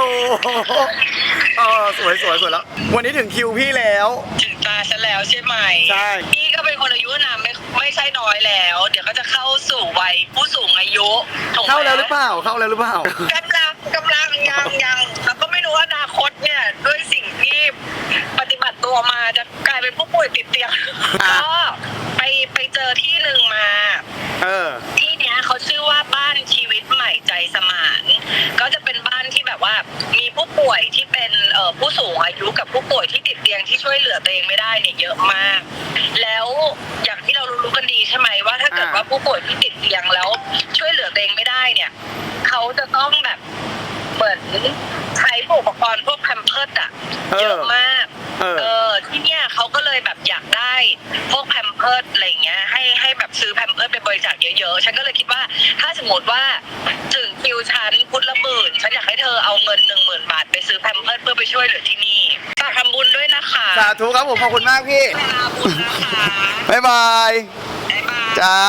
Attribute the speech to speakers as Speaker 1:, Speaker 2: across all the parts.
Speaker 1: สวยแล้ววันนี้ถึงคิวพี่แล้ว
Speaker 2: ถึงตาฉันแล้วใช่ไหม
Speaker 1: ใช่
Speaker 2: พี่ก็เป็นคนอายุนะไม่ใช่น้อยแล้ว เดี๋ยวก็จะเข้าสู่วัยผู้สูงอายุ
Speaker 1: เข้าแล้วหรือเปล่ากำลังยัง
Speaker 2: แล้วก็ไม่รู้ว่าอนาคตเนี่ยด้วยสิ่งที่ปฏิบัติตัวมาจะกลายเป็นผู้ป่วยติดเตียงก็ไปเจอที่หนึ่งมาที่เนี้ยเขาชื่อว่าบ้านชีวิตใหม่ใจสมานก็จะเป็นบ้านที่แบบว่ามีผู้ป่วยที่เป็นผู้สูงอายุกับผู้ป่วยที่ติดเตียงที่ช่วยเหลือตัวเองไม่ได้เนี่ยเยอะมากแล้วอย่างที่เรารู้กันดีใช่ไหมว่าถ้าเกิดว่าผู้ป่วยที่ติดเตียงแล้วช่วยเหลือตัวเองไม่ได้เนี่ยเขาจะต้องแบบเหมือนใช้อุปกรณ์พวกแพมเพิร์สอะเยอะมากที่เนี้ยเขาก็เลยแบบอยากได้พวกแพมเพิร์สอะไรเงี้ยให้แบบซื้อแพมเพิร์สไปบริจาคเยอะๆฉันก็เลยคิดว่าถ้าสมมติว่าถึงคิวฉันพุทธละหมื่นฉันอยากให้เธอเอาเงิน 10,000 บาทไปซื้อแพมเพิร์สเพื่อไปช่วยเหลือที่นี่ฝากทำบุญด้วยนะคะ
Speaker 1: สาธุครับผมขอบคุณมากพี่
Speaker 2: บุญนะคะ
Speaker 1: บ๊ายบายจ้า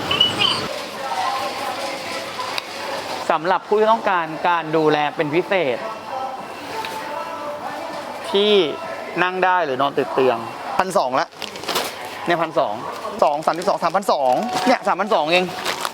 Speaker 3: สำหรับผู้ที่ต้องการการดูแลเป็นพิเศษที่นั่งได้หรือนอนติดเตียง
Speaker 1: 1,200ละ
Speaker 3: เนี่ย
Speaker 1: 3,200เนี่ย3,200เอง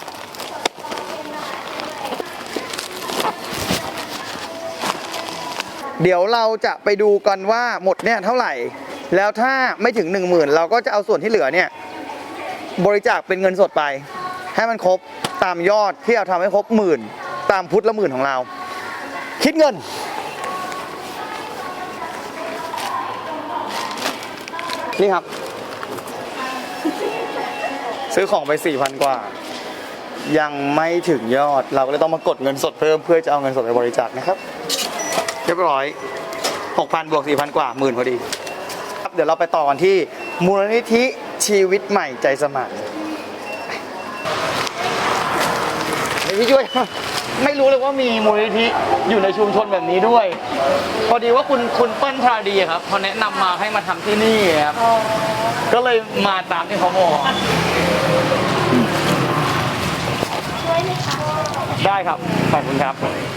Speaker 1: เดี๋ยวเราจะไปดูกันว่าหมดเนี่ยเท่าไหร่แล้วถ้าไม่ถึง 10,000เราก็จะเอาส่วนที่เหลือเนี่ยบริจาคเป็นเงินสดไปให้มันครบตามยอดที่เราทำให้ครบ10,000ตามพุทธละ10,000ของเราคิดเงินนี่ครับซื้อของไป 4,000 กว่ายังไม่ถึงยอดเราก็เลยต้องมากดเงินสดเพิ่มเพื่อจะเอาเงินสดไปบริจาคนะครับเรียบร้อย 6,000 บวก 4,000 กว่า10,000พอดีครับเดี๋ยวเราไปต่อกันที่มูลนิธิชีวิตใหม่ใจสมานพี่ช่วยไม่รู้เลยว่ามีมูลนิธิอยู่ในชุมชนแบบนี้ด้วยพอดีว่าคุณเปิ้ลชาดีครับเขาแนะนำมาให้มาทำที่นี่ครับก็เลยมาตามที่เขาบอก
Speaker 4: ช่วยไหมคะ
Speaker 1: ได้ครับขอบคุณครับ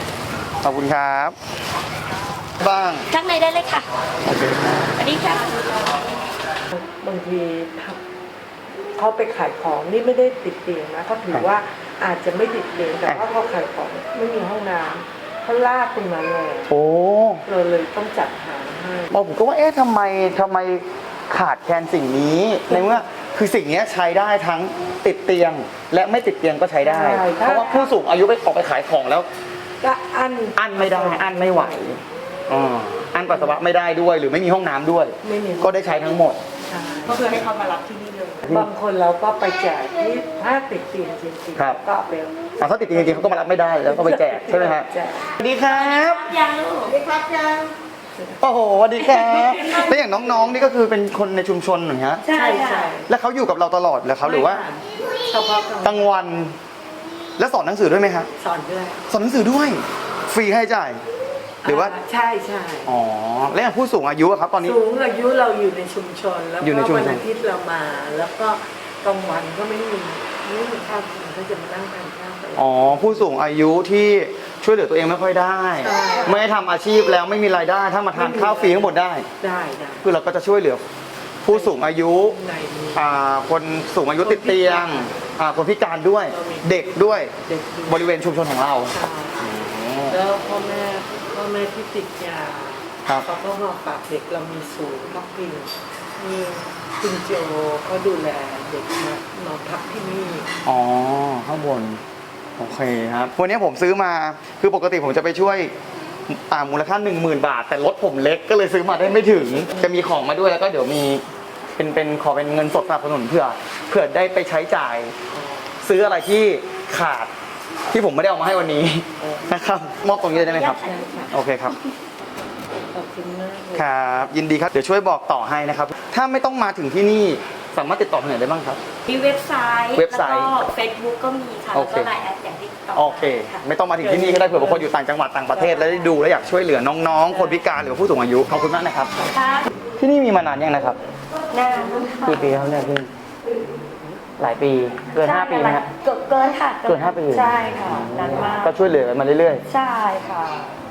Speaker 1: บ้าง
Speaker 4: ข้างในได้เลยค่ะ
Speaker 1: โอเค
Speaker 4: สวัสดีค่ะ
Speaker 5: บางทีเขาไปขายของนี่ไม่ได้ติดเตียงนะเขาถือว่าอาจจะไม่ติดเตียงแต่ว่าเขาขายของไม่มีห้องน้ำเขาลากตรงนั้นเลย
Speaker 1: โอ้
Speaker 5: เราเลยต้องจัดหาให้
Speaker 1: ผมก็ว่าทำไมขาดแคลนสิ่งนี้ในเมื่อคือสิ่งนี้ใช้ได้ทั้งติดเตียงและไม่ติดเตียงก็ใช้ได้เพราะว่าผู้สูงอายุไปออกไปขายของแล้ว
Speaker 5: ก็อั้น
Speaker 1: ไม่ได้อั้นไม่ไหวอั้นปัสสาวะไม่ได้ด้วยหรือไม่มีห้องน้ำด้วยก็ได้ใช้ทั้งหมด
Speaker 5: ก็คือให้เขามารับที่นี่เลยบางคนเราก็ไปแจกที่ถ้าติดเตียงจริงๆก็ไป
Speaker 1: ถ้าติดเตียงจริงๆเขาก็มารับไม่ได้แล้วก็ไปแจกใช่ไหมครับสวัสดีครับ
Speaker 4: ยังลูกสวัสดีครับ
Speaker 5: ยัง
Speaker 1: โอ้โหสวัสดีครับแล้วอย่างน้องๆนี่ก็คือเป็นคนในชุมชนเหรอฮะ
Speaker 5: ใช่ใช่
Speaker 1: แล้วเขาอยู่กับเราตลอดเหรอครับหรือว่า
Speaker 5: เฉพาะ
Speaker 1: กลางวันแล้วสอนหนังสือด้วยไหมครับ
Speaker 5: สอนด้วย
Speaker 1: สอนหนังสือด้วยฟรีให้จ่ายหรือว่า
Speaker 5: ใช่
Speaker 1: อ๋อแล้วอย่างผู้สูงอายุครับตอนนี้
Speaker 5: สูงอายุเราอยู่ในชุมชนแล้วก็วันอาทิตย์เรามาแล้วก็กลางวันก็ไม่มีข้าวกินเขาจะมานั่งทานข้าวกัน
Speaker 1: อ๋อผู้สูงอายุที่ช่วยเหลือตัวเองไม่ค่อยได้ไม่ได้ทำอาชีพแล้วไม่มีรายได้ถ้ามาทานข้าวฟรีทั้งหมดได้คือเราก็จะช่วยเหลือผู้สูงอายุคนสูงอายุติดเตียงคนพิการด้วยเด็กด้วยบริเวณชุมชนของเรา
Speaker 5: แล้วพ่อแม่ที่ติดยาเขาก็มาฝากเด็กเรามีศูนย์พักพิงมีคุณโจก็ดูแลเด็กมาพักที่นี่
Speaker 1: อ๋อข้างบนโอเคครับวันนี้ผมซื้อมาคือปกติผมจะไปช่วยมูลค่า 10,000 บาทแต่รถผมเล็กก็เลยซื้อมาได้ไม่ถึงจะมีของมาด้วยแล้วก็เดี๋ยวมีขอเป็นเงินสดสนับสนุนเพื่อได้ไปใช้จ่ายซื้ออะไรที่ขาดที่ผมไม่ได้เอามาให้วันนี้นะครับมอบตรงนี้ได้ไหมครับโอเคครับ
Speaker 5: ขอบคุณมาก
Speaker 1: ครับยินดีครับเดี๋ยวช่วยบอกต่อให้นะครับถ้าไม่ต้องมาถึงที่นี่สามารถติดต่อทางไหนได้บ้างครับ
Speaker 4: มีเว็บไซต์แล้วก็เฟซบุ๊กก็มีค่ะแล้วก็ไลน์แอดอย่างที่ต่อ
Speaker 1: โอเคไม่ต้องมาถึงที่นี่ก็ได้เผื่อบางคนอยู่ต่างจังหวัดต่างประเทศแล้วได้ดูแล้วอยากช่วยเหลือน้องๆคนพิการหรือผู้สูงอายุขอบคุณมากนะครับที่นี่มีมานานยังนะครับ
Speaker 4: นาน
Speaker 1: กี่ปีแล้วเนี่ยพี่หลายปีเกิน5 ปีไหมครับ
Speaker 4: เกินค่ะ
Speaker 1: เกิน5 ปี
Speaker 4: ใช่ค่ะนานมาก
Speaker 1: ก็ช่วยเหลือมาเรื่อย
Speaker 4: ๆใช่ค่ะ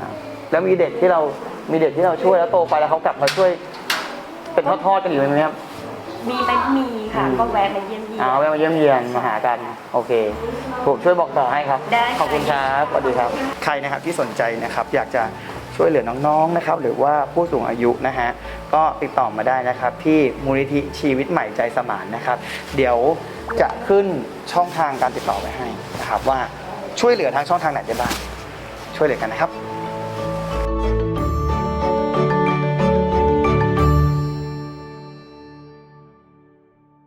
Speaker 1: แล้วมีเด็กที่เราช่วยแล้วโตไปแล้วเขากลับมาช่วยเป็นทอดๆกันอยู่ไหมครับ
Speaker 4: มีค่ะ ก็แวะมาเยี่ยมเยียน
Speaker 1: แวะมาเยี่ยมเยียนมาหากันโอเคผมช่วยบอกต่อให้ครับ
Speaker 4: ได้ค่ะ
Speaker 1: ขอบคุณครับสวัสดีครับใครนะครับที่สนใจนะครับอยากจะช่วยเหลือน้องๆนะครับหรือว่าผู้สูงอายุนะฮะก็ติดต่อมาได้นะครับที่มูลนิธิชีวิตใหม่ใจสมานนะครับเดี๋ยวจะขึ้นช่องทางการติดต่อไว้ให้นะครับว่าช่วยเหลือทางช่องทางไหนได้บ้างช่วยเหลือกันนะครับ